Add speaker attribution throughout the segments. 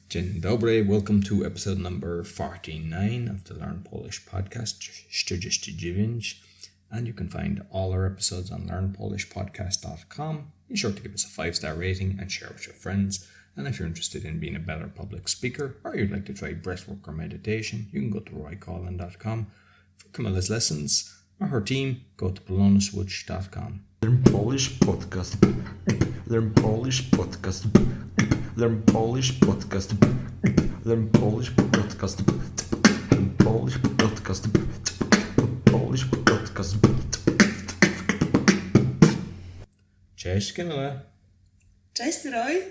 Speaker 1: Dzień dobry, welcome to episode number 49 of the Learn Polish podcast, 49. And you can find all our episodes on learnpolishpodcast.com. Be sure to give us a 5-star rating and share with your friends. And if you're interested in being a better public speaker or you'd like to try breathwork or meditation, you can go to roycollin.com. For Camilla's lessons or her team, go to polonuswitch.com.
Speaker 2: Learn Polish podcast. Learn Polish podcast. Learn Polish podcast. Learn Polish podcast. Learn Polish podcast. Polish podcast.
Speaker 1: Cześć Camilla.
Speaker 3: Cześć Roy.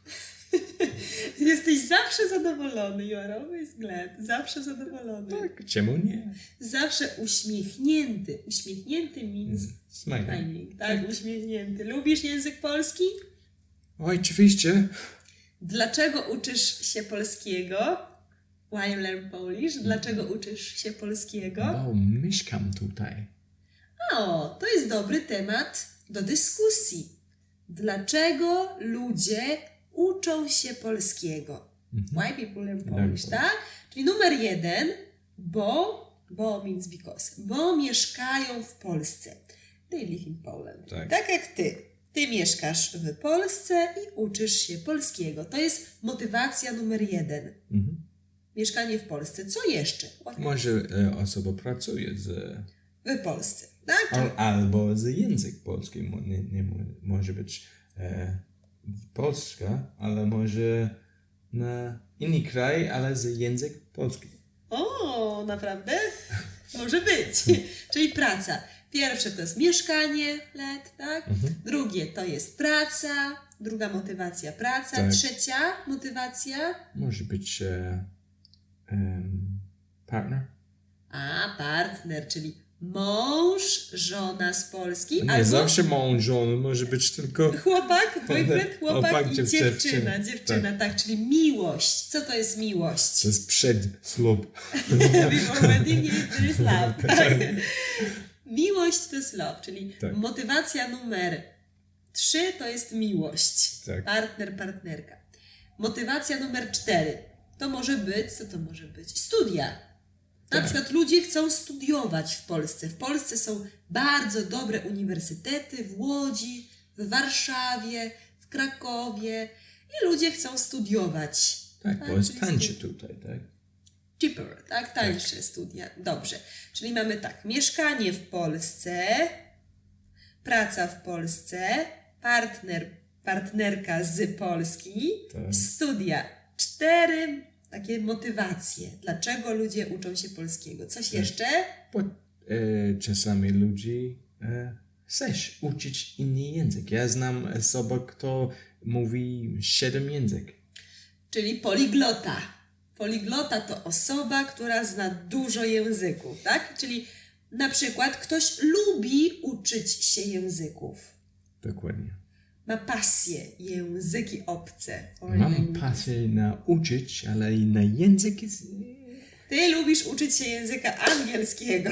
Speaker 3: Jesteś zawsze zadowolony, you are always glad. Zawsze zadowolony.
Speaker 1: Tak, czemu nie?
Speaker 3: Zawsze uśmiechnięty. Uśmiechnięty means smiling. Tak, uśmiechnięty. Lubisz język polski?
Speaker 1: Oj, oczywiście.
Speaker 3: Dlaczego uczysz się polskiego? Why you learn Polish? Dlaczego uczysz się polskiego?
Speaker 1: Bo mieszkam tutaj.
Speaker 3: O, to jest dobry temat do dyskusji. Dlaczego ludzie uczą się polskiego? Why people learn Polish, tak? Czyli numer 1, bo means because. Bo mieszkają w Polsce. They live in Poland. Tak jak ty. Ty mieszkasz w Polsce i uczysz się polskiego. To jest motywacja numer 1. Mieszkanie w Polsce. Co jeszcze?
Speaker 1: Może osoba pracuje
Speaker 3: w Polsce, tak?
Speaker 1: Albo z język polski. Nie może być Polska, ale może na inny kraj, ale z język polski.
Speaker 3: O, naprawdę? Może być. Czyli praca. Pierwsze to jest mieszkanie, tak? Drugie to jest praca. Druga motywacja praca.
Speaker 1: Tak.
Speaker 3: Trzecia motywacja?
Speaker 1: Może być partner.
Speaker 3: Partner, czyli mąż, żona z Polski.
Speaker 1: Nie
Speaker 3: albo
Speaker 1: zawsze mąż, żona, może być tylko
Speaker 3: chłopak, boyfriend, chłopak i
Speaker 1: dziewczyna.
Speaker 3: Dziewczyna, tak, czyli miłość. Co to jest miłość?
Speaker 1: To jest przed ślub.
Speaker 3: Before wedding there is love. Tak. Miłość to jest love, czyli motywacja numer 3 to jest miłość.
Speaker 1: Tak.
Speaker 3: Partner, partnerka. Motywacja numer 4 to może być, co to może być? Studia. Na przykład ludzie chcą studiować w Polsce. W Polsce są bardzo dobre uniwersytety w Łodzi, w Warszawie, w Krakowie i ludzie chcą studiować.
Speaker 1: Tak, bo jest tańsze tutaj, tak?
Speaker 3: Cheaper, tak? Tańsze studia. Dobrze. Czyli mamy tak, mieszkanie w Polsce, praca w Polsce, partnerka z Polski, studia. 4 takie motywacje. Dlaczego ludzie uczą się polskiego? Coś jeszcze?
Speaker 1: Bo czasami ludzie chcesz uczyć inny język. Ja znam osobę, kto mówi 7 języków.
Speaker 3: Czyli poliglota. Poliglota to osoba, która zna dużo języków, tak? Czyli na przykład ktoś lubi uczyć się języków.
Speaker 1: Dokładnie.
Speaker 3: Ma pasję, języki obce.
Speaker 1: Mam pasję nauczyć, ale i na język jest...
Speaker 3: Ty lubisz uczyć się języka angielskiego.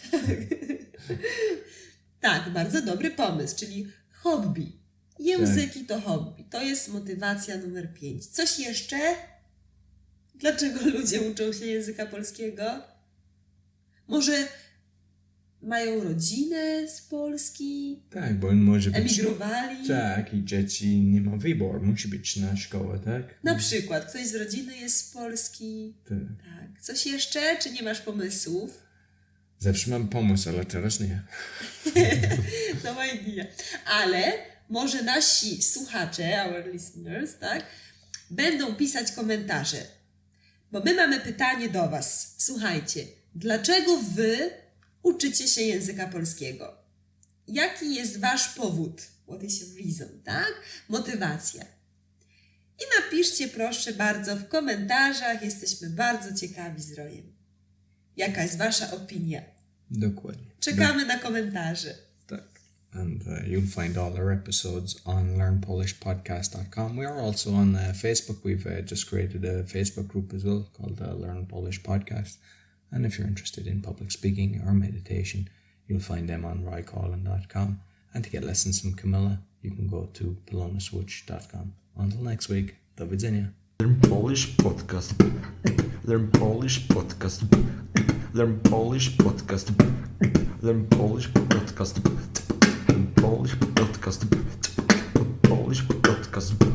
Speaker 3: Tak, bardzo dobry pomysł, czyli hobby. Języki to hobby. To jest motywacja numer 5. Coś jeszcze? Dlaczego ludzie uczą się języka polskiego? Może mają rodzinę z Polski?
Speaker 1: Tak, bo może być...
Speaker 3: Emigrowali?
Speaker 1: Tak, i dzieci nie ma wyboru. Musi być na szkołę, tak?
Speaker 3: Na przykład ktoś z rodziny jest z Polski. Tak. Coś jeszcze? Czy nie masz pomysłów?
Speaker 1: Zawsze mam pomysł, ale teraz nie.
Speaker 3: No idea. Ale może nasi słuchacze, our listeners, tak, będą pisać komentarze. Bo my mamy pytanie do was. Słuchajcie, dlaczego wy uczycie się języka polskiego? Jaki jest wasz powód? What is your reason, tak? Motywacja. I napiszcie proszę bardzo w komentarzach. Jesteśmy bardzo ciekawi z Rojem. Jaka jest wasza opinia?
Speaker 1: Dokładnie.
Speaker 3: Czekamy na komentarze.
Speaker 1: Tak. And you'll find all our episodes on learnpolishpodcast.com. We are also on Facebook. We've just created a Facebook group as well called Learn Polish Podcast. And if you're interested in public speaking or meditation, you'll find them on roycollin.com. And to get lessons from Camilla, you can go to polonuswitch.com. Until next week, do widzenia.
Speaker 2: Learn Polish Podcast. Learn Polish Podcast. Learn Polish Podcast. Learn Polish Podcast. Learn Polish Podcast. Polish Podcast.